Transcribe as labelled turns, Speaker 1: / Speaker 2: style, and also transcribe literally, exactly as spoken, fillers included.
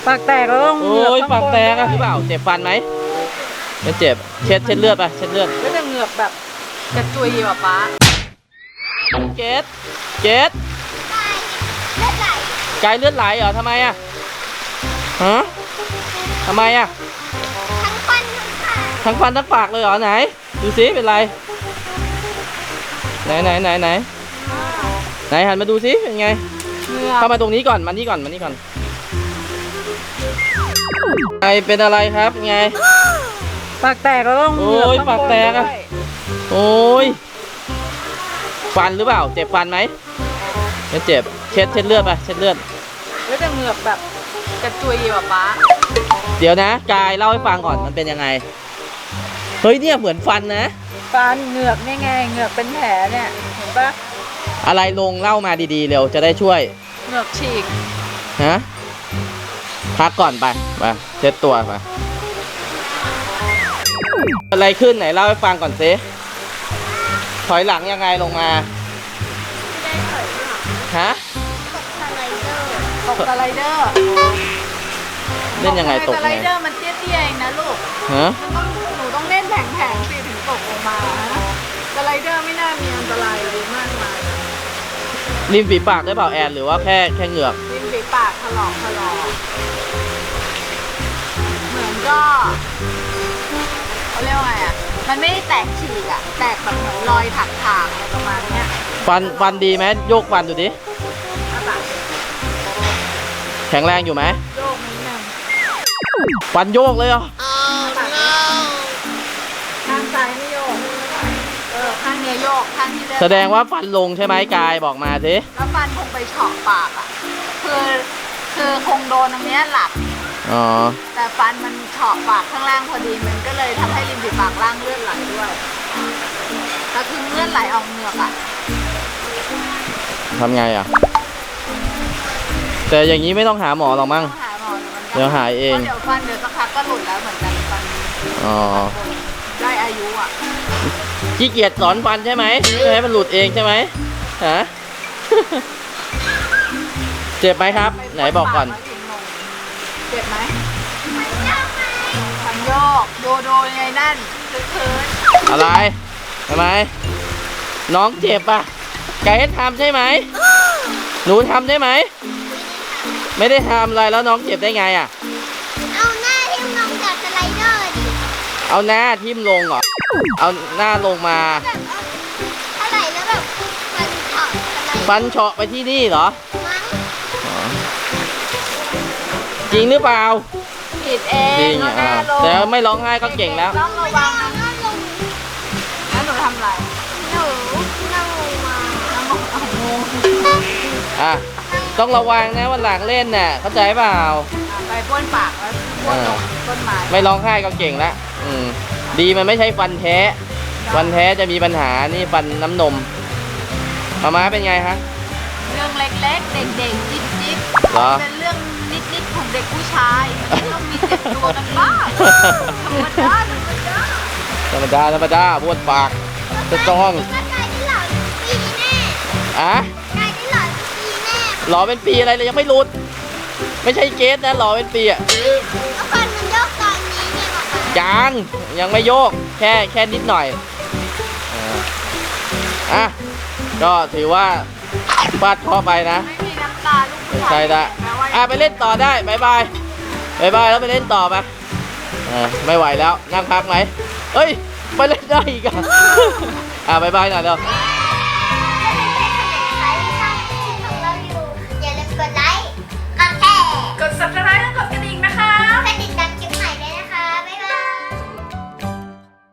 Speaker 1: ปากแตกแล้วต้อง
Speaker 2: โอ้ยปากแตกอะหรือเปล่าเจ็บฟันไหมไม่เจ็บเช็ดเช็ดเลือดไปเช็ดเลือด
Speaker 1: ก็จะเหงือกแบบกระจุยแบบป้า
Speaker 2: เกดเกดไกลเลือดไหลเหรอทำไมอะฮะทำไมอะทั้งฟันทั้งฟันทั้งปากเลยเหรอไหนดูซิเป็นไรไหนไหนไหนไหนไหนหันมาดูซิเป็นไงเข้ามาตรงนี้ก่อนมานี่ก่อนมานี่ก่อนไอเป็นอะไรครับไง
Speaker 1: ปากแตกแล้วต้อง
Speaker 2: โอ้ยปากแตกอะโอ้ยฟันหรือเปล่าเจ็บฟันไหมไม่เจ็บเช็ดเช็ดเลือดไปเช็ดเลือด
Speaker 1: ก็จะเหงือกแบบกระจุยแบบป้า
Speaker 2: เดี๋ยวนะกายเล่าให้ฟังก่อนมันเป็นยังไงเฮ้ยเนี่ยเหมือนฟันนะ
Speaker 1: ฟันเหงือกนี่ไงเหงือกเป็นแผลเนี่ยเห็นปะ
Speaker 2: อะไรลงเล่ามาดีๆเร็วจะได้ช่วย
Speaker 1: เหงือกฉีก
Speaker 2: ฮะพักก่อนไปไปเช็ดตัวไปอะไรขึ้นไหนเล่าให้ฟังก่อนซิถอยหลังยังไงลงมาฮะ
Speaker 1: ตกสไลเดอร์
Speaker 2: เล่นยังไงตก
Speaker 1: สไลเดอร์มันเตี้ยๆเองนะลูก
Speaker 2: ฮะ
Speaker 1: หนูต้องเล่นแผงๆสิถึงตกลงมาสไลเดอร์ไม่น่ามีอันตรายอะไรมากมาย
Speaker 2: ริมฝีปากได้เปล่าแอนหรือว่าแค่แค่เหงือก
Speaker 1: ริมฝีปากถลอกถลอกเหมือนก็เขาเรียกว่าไงอ่ะมันไม่ได้แตกฉีกอ่ะแตกแบบเหมือนรอยถักถากอะไรประมาณเนี้ย
Speaker 2: ฟันฟันดีไหมโยกฟันดูดิแข็งแรงอยู่ไหม
Speaker 1: โยกนิดนึง
Speaker 2: ฟันโยกเลยเหรอ
Speaker 1: ข้างซ้ายไม่โยกเออข้างนี้โยกข้างที่เลือด
Speaker 2: แสดงว่าฟันลงใช่ไหมกายบอกมาสิ
Speaker 1: แล้วฟันคงไปเฉาะปากอ่ะคือคือคงโดนตรงเนี้ยหลับ
Speaker 2: อ๋อ
Speaker 1: แต่ฟันมันเฉาะปากข้างล่างพอดีมันก็เลยทำให้ริมฝีปากล่างเลือดไหลด้วยแล้วคือเลือดไหลออกเหงือกอ่ะ
Speaker 2: ทำไงอ่ะแต่อย่างนี้ไม่ต้องหาหมอหรอกมั้งเดี๋ยวหายเอง
Speaker 1: เดี๋ยวฟันเดี๋ยวสักพักก็หลุดแล้วเหมือนกันฟัน
Speaker 2: อ๋อ
Speaker 1: ได้อายุอ่ะ
Speaker 2: ขี้เกียจสอนฟันใช่ไหมไม่ให้มันหลุดเองใช่ไหมฮะเจ็บไหมครับไหนบอกก่อน
Speaker 1: เจ็บไหมฟันโยกโดโดยังไงนั่นคือคืน
Speaker 2: อะไรทำไมน้องเจ็บป่ะไก่ให้ทำใช่ไหมหนูทำได้ไหมไม่ได้ทำอะไรแล้วน้องเจ็บได้ไงอ่ะ
Speaker 3: เอาหน้าทิ่มลงจากสไลเดอร์ดิ
Speaker 2: เอาหน้าทิ่มลงเหรอเอาหน้าลงมา
Speaker 3: แบบเอาอะไรแล้วแบบฟันเฉาะอะไร
Speaker 2: ฟันเฉาะไปที่นี่เหรอ
Speaker 3: มั้ง
Speaker 2: จริงหรือเปล่า
Speaker 1: ผิดเองจริงอ่ะ
Speaker 2: แต่ไม่ร้องไห้ก็เก่งแล้ว
Speaker 1: ต้องระวังนะแล้วหนูทำอะไร
Speaker 3: หนูนั่งลงมา
Speaker 1: นั่งลงเอางง
Speaker 2: อ่ะต้องระวังนะวันหลังเล่นน่ะเข้าใจเปล่า
Speaker 1: ไปบ้วนปากแล้วบ้วนลงต้นไม้
Speaker 2: ไม่ร้องไห้ก็เก่งแล้วอืมดีมันไม่ใช่ฟันแท้ฟันแท้จะมีปัญหานี่ฟันน้ำนมมาม้าเป็นไงฮะ
Speaker 1: เรื่องเล็กๆเด็กๆจิ๊บจิ๊บเป็นเรื่องนิดๆของเด็กผู้ชายต้องมีเจ็บตัวกันบ้างธรรมดาธรรมดา
Speaker 2: ธรรมดาธรรมดาบ้วนปากจะต้องอะหล่อเป็นปีอะไรเลยยังไม่รุดไม่ใช่เกสนะหล่อเป็นปีอะ
Speaker 3: ฟันมันโยกตอนนี้ไงบอก
Speaker 2: ยังยังไม่โยกแค่แค่นิดหน่อยอ่ะก็ถือว่าฟาดเคราะห์ไปนะ
Speaker 1: ไม่มีน้ำตาลูก
Speaker 2: ใช่ละอ่ะไปเล่นต่อได้บายบายบายบายแล้วไปเล่นต่อไปไม่ไหวแล้วนั่งพักไหมเอ้ยไปเล่นได้อีกอ่ะอ่ะบายบายหน่อยเร็ว